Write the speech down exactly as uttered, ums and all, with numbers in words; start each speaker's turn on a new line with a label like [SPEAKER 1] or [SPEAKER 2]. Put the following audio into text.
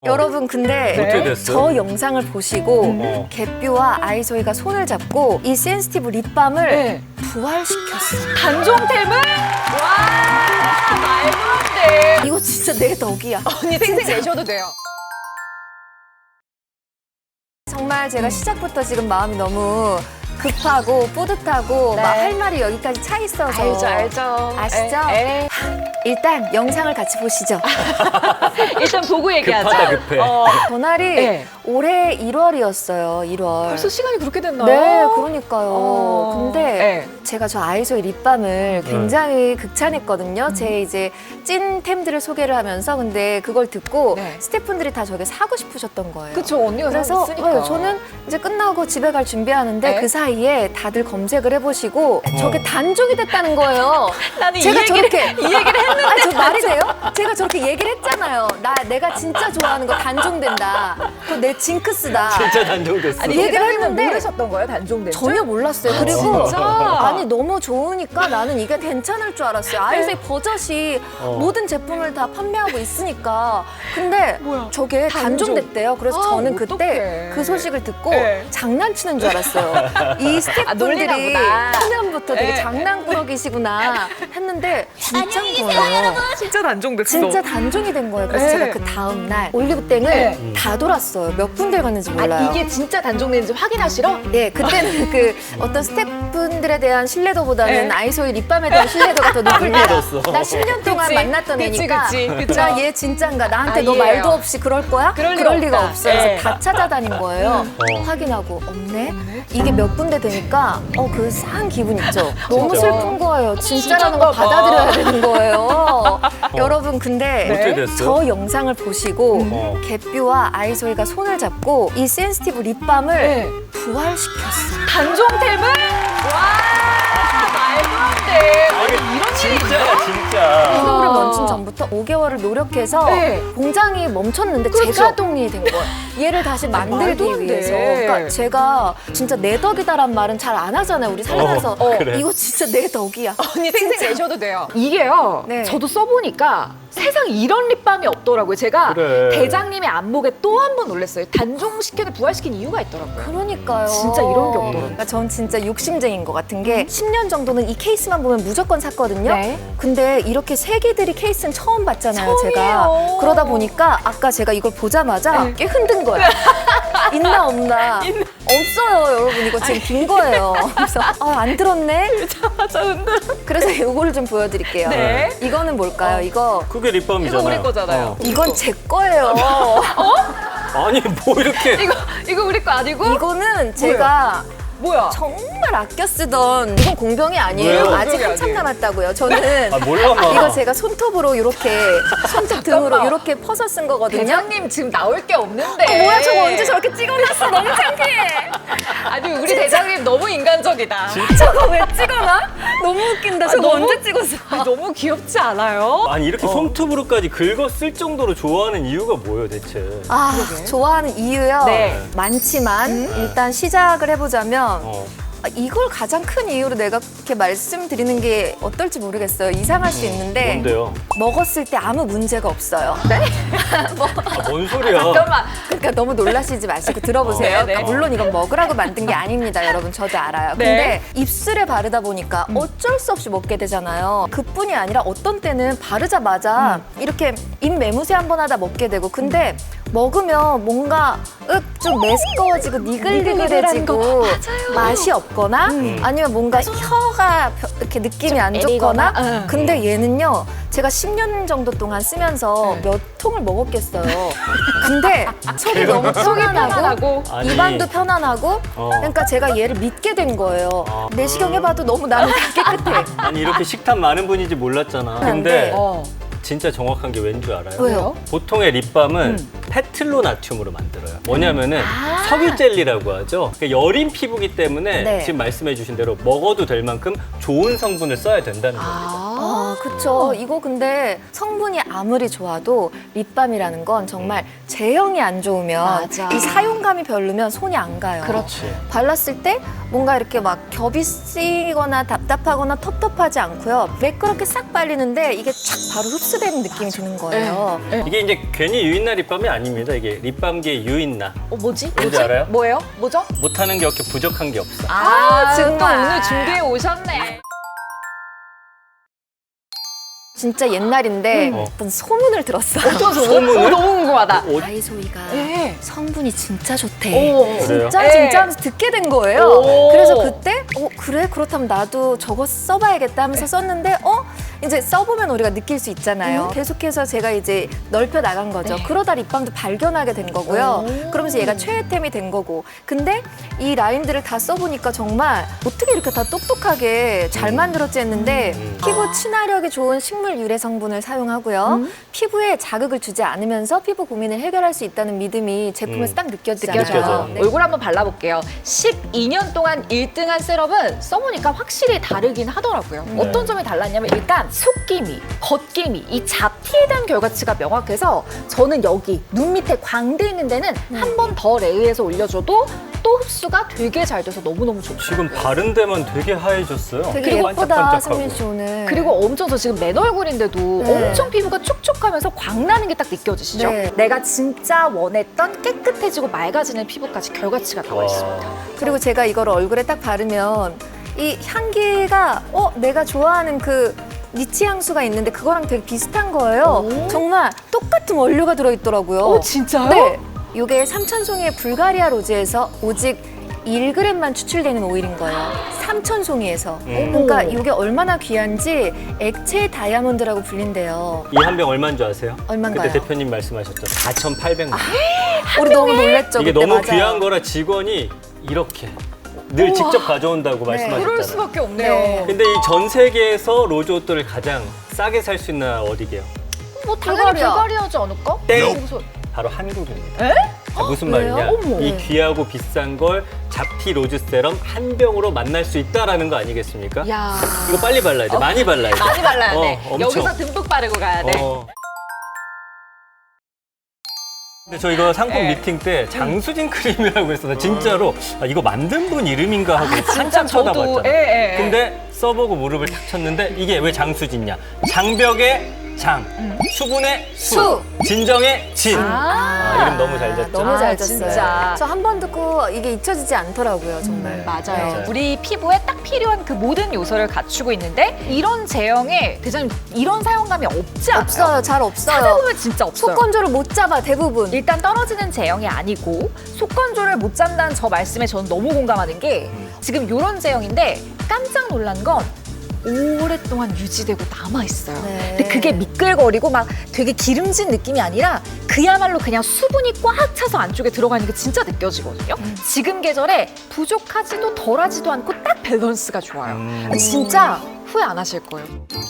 [SPEAKER 1] 여러분 근데
[SPEAKER 2] 어떻게 됐어요?
[SPEAKER 1] 저 영상을 보시고
[SPEAKER 2] 어.
[SPEAKER 1] 개뷰와 아이소이가 손을 잡고 이 센시티브 립밤을
[SPEAKER 3] 네.
[SPEAKER 1] 부활시켰어.
[SPEAKER 3] 단종템을? 와, 말도 안 돼.
[SPEAKER 1] 이거 진짜 내 덕이야.
[SPEAKER 3] 언니 생색 내셔도 돼요.
[SPEAKER 1] 정말 제가 시작부터 지금 마음이 너무 급하고 뿌듯하고
[SPEAKER 3] 네.
[SPEAKER 1] 막 할 말이 여기까지 차 있어서
[SPEAKER 3] 알죠, 알죠.
[SPEAKER 1] 아시죠?
[SPEAKER 3] 에, 에.
[SPEAKER 1] 일단 영상을 같이 보시죠.
[SPEAKER 3] 일단 보고 얘기하자.
[SPEAKER 2] 급하다, 급해.
[SPEAKER 3] 어,
[SPEAKER 1] 전날이
[SPEAKER 3] 네.
[SPEAKER 1] 올해 일월이었어요. 일월.
[SPEAKER 3] 벌써 시간이 그렇게 됐나요?
[SPEAKER 1] 네, 그러니까요.
[SPEAKER 3] 어.
[SPEAKER 1] 근데
[SPEAKER 3] 네.
[SPEAKER 1] 제가 저 아이소의 립밤을 굉장히 극찬했거든요. 제 이제 찐템들을 소개를 하면서 근데 그걸 듣고
[SPEAKER 3] 네.
[SPEAKER 1] 스태프분들이 다 저게 사고 싶으셨던 거예요.
[SPEAKER 3] 그쵸, 언니가
[SPEAKER 1] 그래서
[SPEAKER 3] 샀으니까.
[SPEAKER 1] 네, 저는 이제 끝나고 집에 갈 준비하는데
[SPEAKER 3] 네.
[SPEAKER 1] 그 사이에 다들 검색을 해보시고 저게 단종이 됐다는 거예요.
[SPEAKER 3] 나는 이
[SPEAKER 1] 제가
[SPEAKER 3] 얘기를,
[SPEAKER 1] 저렇게
[SPEAKER 3] 이 얘기를 했는데.
[SPEAKER 1] 아, 저 말이 돼요? 제가 저렇게 얘기를 했잖아요. 나 내가 진짜 좋아하는 거 단종된다. 그거 내 징크스다.
[SPEAKER 2] 진짜 단종됐어.
[SPEAKER 3] 아니,
[SPEAKER 1] 얘기를
[SPEAKER 3] 대장님은
[SPEAKER 1] 했는데
[SPEAKER 3] 모르셨던 거예요, 단종된 줄?
[SPEAKER 1] 전혀 몰랐어요. 그리고
[SPEAKER 3] 진짜?
[SPEAKER 1] 아니 너무 좋으니까 나는 이게 괜찮을 줄 알았어요. 아이소의 버젓이
[SPEAKER 2] 어.
[SPEAKER 1] 모든 제품을 다 판매하고 있으니까. 근데
[SPEAKER 3] 뭐야?
[SPEAKER 1] 저게
[SPEAKER 3] 단종.
[SPEAKER 1] 단종됐대요. 그래서
[SPEAKER 3] 아,
[SPEAKER 1] 저는
[SPEAKER 3] 어떡해.
[SPEAKER 1] 그때 그 소식을 듣고
[SPEAKER 3] 네.
[SPEAKER 1] 장난치는 줄 알았어요. 이 스태프분들이
[SPEAKER 3] 아, 놀리나 보다.
[SPEAKER 1] 초면부터 되게
[SPEAKER 3] 네.
[SPEAKER 1] 장난꾸러기시구나 했는데 진짜인 거예요.
[SPEAKER 3] 진짜 단종됐어.
[SPEAKER 1] 진짜 단종이 된 거예요. 그래서
[SPEAKER 3] 네.
[SPEAKER 1] 제가 그 다음 날 올리브땡을
[SPEAKER 3] 네.
[SPEAKER 1] 다 돌았어요. 몇 군데 갔는지 몰라요.
[SPEAKER 3] 아, 이게 진짜 단종된지 확인하시러?
[SPEAKER 1] 예, 그때는 그 어떤 스태프분들에 대한 신뢰도보다는
[SPEAKER 3] 네.
[SPEAKER 1] 아이소의 립밤에 대한 신뢰도가 더 높을 때라.
[SPEAKER 2] 믿었어.
[SPEAKER 1] 나 십 년 동안
[SPEAKER 3] 그치,
[SPEAKER 1] 만났던
[SPEAKER 3] 그치,
[SPEAKER 1] 애니까.
[SPEAKER 3] 그치, 그쵸.
[SPEAKER 1] 나 얘 진짠가? 나한테
[SPEAKER 3] 아,
[SPEAKER 1] 너
[SPEAKER 3] 이해해요.
[SPEAKER 1] 말도 없이 그럴 거야?
[SPEAKER 3] 그럴 리가
[SPEAKER 1] 리가
[SPEAKER 3] 없다.
[SPEAKER 1] 없어. 그래서
[SPEAKER 3] 예.
[SPEAKER 1] 다 찾아다닌 거예요.
[SPEAKER 2] 어.
[SPEAKER 1] 확인하고 없네. 이게 몇 군데 되니까 어 그 싸한 기분 있죠. 너무
[SPEAKER 2] 진짜.
[SPEAKER 1] 슬픈 거예요. 진짜라는 걸
[SPEAKER 3] 진짠가 봐.
[SPEAKER 1] 받아들여야 되는 거예요. 여러분 근데
[SPEAKER 2] 어떻게 됐어요?
[SPEAKER 1] 저 영상을 보시고
[SPEAKER 2] 어.
[SPEAKER 1] 개뷰와 아이소이가 손을 잡고 이 센시티브 립밤을
[SPEAKER 3] 네.
[SPEAKER 1] 부활시켰어.
[SPEAKER 3] 단종템을? 와, 말도 안 돼. 아니, 이런 일이
[SPEAKER 2] 진짜야, 진짜.
[SPEAKER 1] 프로그램 런칭 전부터 오 개월을 노력해서
[SPEAKER 3] 네.
[SPEAKER 1] 공장이 멈췄는데
[SPEAKER 3] 그렇죠.
[SPEAKER 1] 재가동이 된 거예요. 얘를 다시
[SPEAKER 3] 말도
[SPEAKER 1] 만들기
[SPEAKER 3] 안 돼.
[SPEAKER 1] 위해서. 그러니까 제가 진짜 내 덕이다란 말은 잘 안 하잖아요. 우리 살면서.
[SPEAKER 2] 어, 그래.
[SPEAKER 1] 이거 진짜 내 덕이야.
[SPEAKER 3] 언니 생색 내셔도 돼요. 이게요.
[SPEAKER 1] 네.
[SPEAKER 3] 저도 써보니까 세상에 이런 립밤이 없더라고요. 제가
[SPEAKER 2] 그래.
[SPEAKER 3] 대장님의 안목에 또 한 번 놀랐어요. 단종시켜도 부활시킨 이유가 있더라고요.
[SPEAKER 1] 그러니까요.
[SPEAKER 3] 진짜 이런 게 없더라고요.
[SPEAKER 1] 그러니까 전 진짜 욕심쟁인 것 같은 게 십 년 정도는 이 케이스만 보면 무조건 샀거든요.
[SPEAKER 3] 네.
[SPEAKER 1] 근데 이렇게 세계들이 케이스는 처음 봤잖아요, 제가.
[SPEAKER 3] 처음이에요.
[SPEAKER 1] 그러다 보니까 아까 제가 이걸 보자마자
[SPEAKER 3] 네.
[SPEAKER 1] 꽤 흔든 거예요. 있나 없나. 없어요, 여러분. 이거 지금 빈 거예요. 그래서 아, 안 들었네.
[SPEAKER 3] 맞아, 근데.
[SPEAKER 1] 그래서 이거를 좀 보여드릴게요.
[SPEAKER 3] 네.
[SPEAKER 1] 이거는 뭘까요? 이거
[SPEAKER 2] 그게 립밤이잖아요.
[SPEAKER 3] 이거 우리 거잖아요.
[SPEAKER 2] 어.
[SPEAKER 1] 이건 제 거예요.
[SPEAKER 2] 아니, 뭐 이렇게.
[SPEAKER 3] 이거, 이거 우리 거 아니고?
[SPEAKER 1] 이거는 제가
[SPEAKER 3] 뭐야?
[SPEAKER 1] 정말 아껴 쓰던 이건 공병이 아니에요.
[SPEAKER 2] 왜요?
[SPEAKER 1] 아직
[SPEAKER 3] 공병이
[SPEAKER 1] 한참
[SPEAKER 3] 아니에요.
[SPEAKER 1] 남았다고요. 저는
[SPEAKER 2] 아, 몰라, 마.
[SPEAKER 1] 이거 제가 손톱으로 이렇게 손톱 등으로
[SPEAKER 3] 잠깐만.
[SPEAKER 1] 이렇게 퍼서 쓴 거거든요.
[SPEAKER 3] 대장님 지금 나올 게 없는데.
[SPEAKER 1] 어, 뭐야 저거 언제 저렇게 찍어놨어? 너무 창피해.
[SPEAKER 3] 아니, 우리 대장님 너무 인간적이다.
[SPEAKER 1] 저거 왜 찍어놔? 너무 웃긴다. 저거
[SPEAKER 3] 너무-
[SPEAKER 1] 언제 찍었어?
[SPEAKER 3] 아니, 너무 귀엽지 않아요?
[SPEAKER 2] 아니, 이렇게 손톱으로까지 긁어 쓸 정도로 좋아하는 이유가 뭐예요, 대체?
[SPEAKER 1] 아,
[SPEAKER 3] 그러게.
[SPEAKER 1] 좋아하는 이유요?
[SPEAKER 3] 네.
[SPEAKER 1] 많지만 일단 시작을 해보자면
[SPEAKER 2] 어.
[SPEAKER 1] 아, 이걸 가장 큰 이유로 내가 이렇게 말씀드리는 게 어떨지 모르겠어요. 이상할 수 있는데
[SPEAKER 2] 뭔데요?
[SPEAKER 1] 먹었을 때 아무 문제가 없어요.
[SPEAKER 2] 아, 뭔 소리야?
[SPEAKER 3] 잠깐만.
[SPEAKER 1] 그러니까 너무 놀라시지 마시고 들어보세요.
[SPEAKER 3] 네, 네.
[SPEAKER 1] 그러니까 물론 이건 먹으라고 만든 게 아닙니다, 여러분. 저도 알아요.
[SPEAKER 3] 네.
[SPEAKER 1] 근데 입술에 바르다 보니까 어쩔 수 없이 먹게 되잖아요. 그뿐이 아니라 어떤 때는 바르자마자 이렇게 입 매무새 한 번 하다 먹게 되고 근데 먹으면 뭔가 윽 좀 메스꺼워지고 니글니글해지고 맛이 없거나 아니면 뭔가 혀가 벼- 이렇게 느낌이 안 좋거나
[SPEAKER 3] 애리거나, 응.
[SPEAKER 1] 근데 얘는요 제가 십 년 정도 동안 쓰면서
[SPEAKER 3] 네.
[SPEAKER 1] 몇 통을 먹었겠어요. 근데 속이 너무 편안하고
[SPEAKER 3] 편안하고.
[SPEAKER 2] 아니.
[SPEAKER 1] 입안도 편안하고
[SPEAKER 2] 어.
[SPEAKER 1] 그러니까 제가 얘를 믿게 된 거예요.
[SPEAKER 2] 아.
[SPEAKER 1] 내시경 해봐도 너무 나는 다 깨끗해.
[SPEAKER 2] 아니, 이렇게 식탐 많은 분인지 몰랐잖아. 근데
[SPEAKER 1] 네.
[SPEAKER 3] 어.
[SPEAKER 2] 진짜 정확한 게 왠 줄 알아요?
[SPEAKER 1] 왜요?
[SPEAKER 2] 보통의 립밤은 페틀로나튬으로 만들어요. 뭐냐면은
[SPEAKER 3] 아.
[SPEAKER 2] 석유 젤리라고 하죠. 그러니까 여린 피부기 때문에
[SPEAKER 1] 네.
[SPEAKER 2] 지금 말씀해주신 대로 먹어도 될 만큼 좋은 성분을 써야 된다는 거죠.
[SPEAKER 1] 아, 그쵸. 이거 근데 성분이 아무리 좋아도 립밤이라는 건 정말 제형이 안 좋으면
[SPEAKER 3] 맞아.
[SPEAKER 1] 이 사용감이 별로면 손이 안 가요.
[SPEAKER 2] 그렇지.
[SPEAKER 1] 발랐을 때 뭔가 이렇게 막 겹이 쓰이거나 답답하거나 텁텁하지 않고요. 매끄럽게 싹 발리는데 이게 촥 바로 흡수되는 느낌이 드는 거예요.
[SPEAKER 3] 네.
[SPEAKER 2] 이게 이제 괜히 유인날 립밤이 아니에요. 아닙니다. 이게 립밤계의 유인나.
[SPEAKER 3] 어, 뭐지?
[SPEAKER 2] 뭔지 알아요?
[SPEAKER 3] 뭐예요? 뭐죠?
[SPEAKER 2] 못하는 게 없게 부족한 게 없어.
[SPEAKER 3] 아,
[SPEAKER 1] 정말.
[SPEAKER 3] 또 오늘 준비해 오셨네.
[SPEAKER 1] 진짜 옛날인데
[SPEAKER 2] 음.
[SPEAKER 1] 어떤 소문을 들었어요.
[SPEAKER 3] 어떤 소문?
[SPEAKER 2] 소문을?
[SPEAKER 3] 어, 너무 궁금하다.
[SPEAKER 2] 어,
[SPEAKER 1] 다이소이가
[SPEAKER 3] 네.
[SPEAKER 1] 성분이 진짜 좋대.
[SPEAKER 3] 오.
[SPEAKER 2] 그래요?
[SPEAKER 1] 진짜
[SPEAKER 3] 네.
[SPEAKER 1] 진짜 하면서 듣게 된 거예요.
[SPEAKER 3] 오.
[SPEAKER 1] 그래서 그때 어 그래 그렇다면 나도 저거 써봐야겠다 하면서 썼는데 어 이제 써보면 우리가 느낄 수 있잖아요. 계속해서 제가 이제 넓혀 나간 거죠.
[SPEAKER 3] 네.
[SPEAKER 1] 그러다 립밤도 발견하게 된 거고요.
[SPEAKER 3] 오.
[SPEAKER 1] 그러면서 얘가 최애템이 된 거고. 근데 이 라인들을 다 써보니까 정말 어떻게 이렇게 다 똑똑하게 잘 만들었지 했는데
[SPEAKER 2] 음.
[SPEAKER 1] 피부 친화력이 좋은 식물 유래 성분을 사용하고요.
[SPEAKER 3] 음.
[SPEAKER 1] 피부에 자극을 주지 않으면서 피부 고민을 해결할 수 있다는 믿음이 제품에서
[SPEAKER 2] 음.
[SPEAKER 1] 딱 느껴지잖아요.
[SPEAKER 2] 느껴져요.
[SPEAKER 1] 네.
[SPEAKER 3] 얼굴 한번 발라볼게요. 십이 년 동안 일 등한 세럼은 써보니까 확실히 다르긴 하더라고요.
[SPEAKER 2] 네.
[SPEAKER 3] 어떤 점이 달랐냐면 일단 속기미, 겉기미, 이 잡티에 대한 결과치가 명확해서 저는 여기 눈 밑에 광대 있는 데는 한 번 더 레이해서 올려줘도 또 흡수가 되게 잘 돼서 너무너무 좋고
[SPEAKER 2] 지금 바른 데만 되게 하얘졌어요.
[SPEAKER 1] 되게
[SPEAKER 2] 그리고
[SPEAKER 1] 예쁘다,
[SPEAKER 2] 반짝반짝하고.
[SPEAKER 1] 승민 씨 오늘.
[SPEAKER 3] 그리고 엄청 저 지금 맨 얼굴인데도
[SPEAKER 1] 네.
[SPEAKER 3] 엄청 피부가 촉촉하면서 광나는 게 딱 느껴지시죠?
[SPEAKER 1] 네.
[SPEAKER 3] 내가 진짜 원했던 깨끗해지고 맑아지는 피부까지 결과치가 나와
[SPEAKER 2] 와.
[SPEAKER 3] 있습니다.
[SPEAKER 1] 그리고 제가 이걸 얼굴에 딱 바르면 이 향기가 어 내가 좋아하는 그 니치 향수가 있는데 그거랑 되게 비슷한 거예요.
[SPEAKER 3] 오.
[SPEAKER 1] 정말 똑같은 원료가 들어있더라고요.
[SPEAKER 3] 어, 진짜요?
[SPEAKER 1] 네. 이게 삼천송이의 불가리아 로즈에서 오직 일 그램만 추출되는 오일인 거예요. 삼천송이에서.
[SPEAKER 2] 음.
[SPEAKER 1] 그러니까 이게 얼마나 귀한지 액체 다이아몬드라고 불린대요.
[SPEAKER 2] 이 한 병 얼마인 줄 아세요?
[SPEAKER 1] 얼마인가요?
[SPEAKER 2] 그때 대표님 말씀하셨죠. 사천팔백만 원.
[SPEAKER 1] 우리 너무 놀랬죠.
[SPEAKER 2] 이게
[SPEAKER 1] 그때
[SPEAKER 2] 너무
[SPEAKER 1] 맞아요.
[SPEAKER 2] 귀한 거라 직원이 이렇게 늘 직접 가져온다고
[SPEAKER 1] 네.
[SPEAKER 2] 말씀하셨잖아요.
[SPEAKER 3] 그럴 수밖에 없네요.
[SPEAKER 1] 네.
[SPEAKER 2] 근데 이 전 세계에서 로즈 옷들을 가장 싸게 살 수 있는 나라 어디게요?
[SPEAKER 3] 뭐 당연히
[SPEAKER 1] 불가리아.
[SPEAKER 3] 불가리아지 않을까?
[SPEAKER 2] 땡!
[SPEAKER 3] 그래서
[SPEAKER 2] 바로 한국입니다.
[SPEAKER 3] 에?
[SPEAKER 2] 자, 무슨
[SPEAKER 1] 그래요?
[SPEAKER 2] 말이냐?
[SPEAKER 3] 어머.
[SPEAKER 2] 이
[SPEAKER 1] 네.
[SPEAKER 2] 귀하고 비싼 걸 잡티 로즈 세럼 한 병으로 만날 수 있다라는 거 아니겠습니까?
[SPEAKER 3] 야
[SPEAKER 2] 이거 빨리 발라야 돼. 많이 발라야 돼.
[SPEAKER 3] 많이 발라야 돼.
[SPEAKER 2] 어, 엄청.
[SPEAKER 3] 여기서 듬뿍 바르고 가야 돼.
[SPEAKER 2] 어. 근데 저 이거 상품
[SPEAKER 3] 네.
[SPEAKER 2] 미팅 때 장수진 크림이라고 했어. 나 진짜로 아, 이거 만든 분 이름인가 하고 한참
[SPEAKER 3] 저도,
[SPEAKER 2] 쳐다봤잖아.
[SPEAKER 3] 예, 예, 예.
[SPEAKER 2] 근데 써보고 무릎을 탁 쳤는데 이게 왜 장수진이냐? 장벽의 장, 수분의 수,
[SPEAKER 1] 수.
[SPEAKER 2] 진정의 진.
[SPEAKER 3] 아.
[SPEAKER 2] 아, 이름 너무 잘 졌죠?
[SPEAKER 1] 너무
[SPEAKER 3] 아,
[SPEAKER 1] 잘 졌어요.
[SPEAKER 3] 진짜.
[SPEAKER 1] 저 한 번 듣고 이게 잊혀지지 않더라고요, 정말.
[SPEAKER 2] 네.
[SPEAKER 3] 맞아요.
[SPEAKER 2] 맞아요.
[SPEAKER 3] 우리 피부에 딱 필요한 그 모든 요소를 갖추고 있는데 이런 제형에 대장님 이런 사용감이 없지 않아요?
[SPEAKER 1] 없어요, 잘 없어요.
[SPEAKER 3] 찾아보면 진짜 없어요.
[SPEAKER 1] 속건조를 못 잡아 대부분.
[SPEAKER 3] 일단 떨어지는 제형이 아니고 속건조를 못 잡는다는 저 말씀에 저는 너무 공감하는 게 지금 이런 제형인데 깜짝 놀란 건 오랫동안 유지되고 남아있어요.
[SPEAKER 1] 네.
[SPEAKER 3] 근데 그게 미끌거리고 막 되게 기름진 느낌이 아니라 그야말로 그냥 수분이 꽉 차서 안쪽에 들어가 있는 게 진짜 느껴지거든요. 지금 계절에 부족하지도 덜하지도 않고 딱 밸런스가 좋아요.
[SPEAKER 2] 음.
[SPEAKER 3] 진짜 후회 안 하실 거예요.